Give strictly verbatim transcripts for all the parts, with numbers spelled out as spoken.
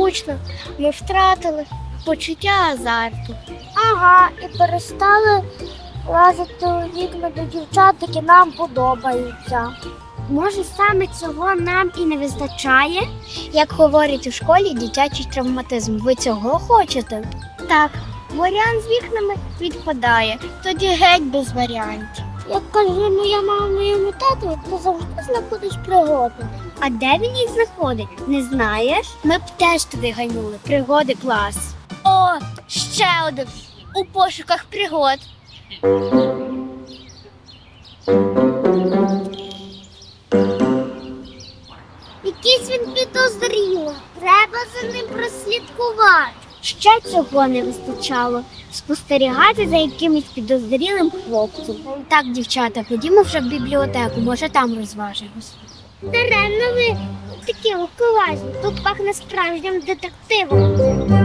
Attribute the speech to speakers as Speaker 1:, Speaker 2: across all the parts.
Speaker 1: скучно. Ми втратили почуття азарту. Ага, і перестали лазити у вікна до дівчат, які нам подобаються. Може, саме цього нам і не вистачає? Як говорять у школі, дитячий травматизм. Ви цього хочете? Так, варіант з вікнами відпадає. Тоді геть без варіантів. Як каже моя мама моєму тату, ти завжди знаходиш пригоди. А де він їх знаходить? Не знаєш? Ми б теж туди ганяли. Пригоди клас. О, ще один. У пошуках пригод. Якийсь він підозрілий. Треба за ним прослідкувати. Ще цього не вистачало. Спостерігати за якимось підозрілим хлопцем. Так, дівчата, ходімо вже в бібліотеку, може там розважимось. Даремно ви такі легковажні. Тут пахне справжнім детективом.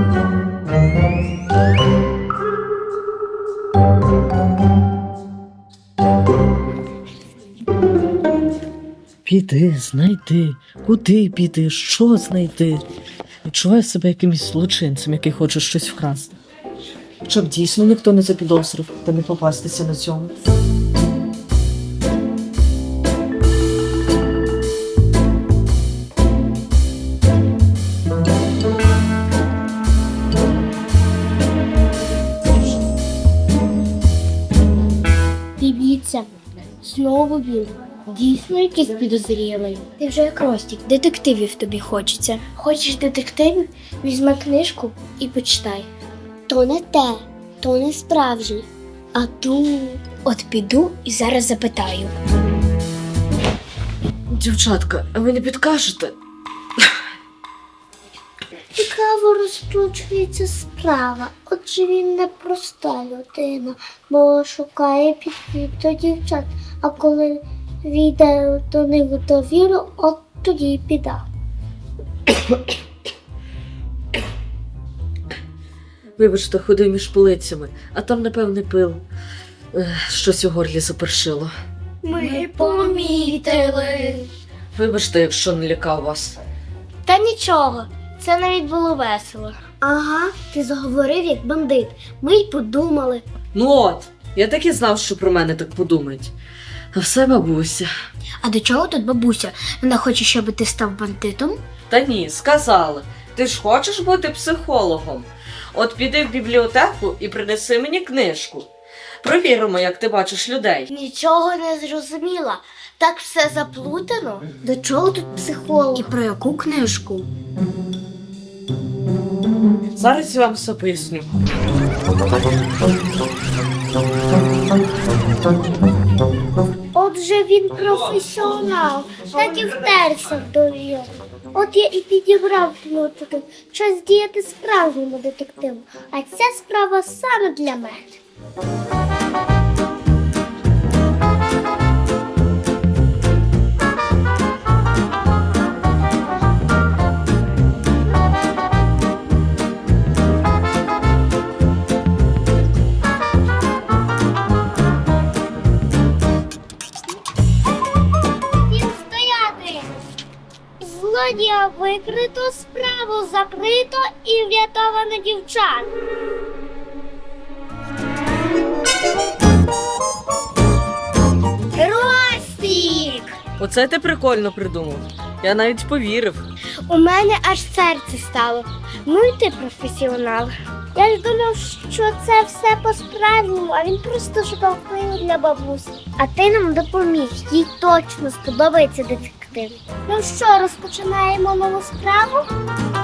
Speaker 2: Піти, знайти, куди піти, що знайти. Відчуваю себе якимось злочинцем, який хоче щось вкрасти. Щоб дійсно ніхто не запідозрив та не попастися на цьому.
Speaker 1: Дивіться, знову він. Дійсно якийсь підозрілий. Ти вже як Ростік, детективів тобі хочеться. Хочеш детективів? Візьми книжку і почитай. То не те, то не справжнє. А тут... От піду і зараз запитаю.
Speaker 2: Дівчатка, а ви не підкажете?
Speaker 1: Цікаво розкручується справа. Отже він не проста людина, бо шукає підхід до дівчат. А коли війде до них в довіру, от тоді й піда.
Speaker 2: Вибачте, ходив між полицями, а там, напевне, пил. Ех, щось у горлі запершило.
Speaker 1: Ми помітили.
Speaker 2: Вибачте, якщо не лякав вас.
Speaker 1: Та нічого, це навіть було весело. Ага, ти заговорив як бандит. Ми й подумали.
Speaker 2: Ну от, я так і знав, що про мене так подумають. А все бабуся.
Speaker 1: А до чого тут бабуся? Вона хоче, щоб ти став бандитом?
Speaker 2: Та ні, сказали. Ти ж хочеш бути психологом? От піди в бібліотеку і принеси мені книжку. Провіримо, як ти бачиш людей.
Speaker 1: Нічого не зрозуміла. Так все заплутано. До чого тут психолог? І про яку книжку?
Speaker 2: Зараз я вам все поясню.
Speaker 1: Отже, він професіонал, так і втерся в довіру. От я і підібрав ключики. Час діяти справжньому детективу. А ця справа саме для мене. Злодія викрито, справу закрито і врятовано дівчат. Ростік!
Speaker 2: Оце ти прикольно придумав. Я навіть повірив.
Speaker 1: У мене аж серце стало. Ну і ти професіонал. Я ж думав, що це все по-справжньому, а він просто шукав книгу для бабусі. А ти нам допоміг, їй точно сподобається детектив. Ну що, розпочинаємо нову справу?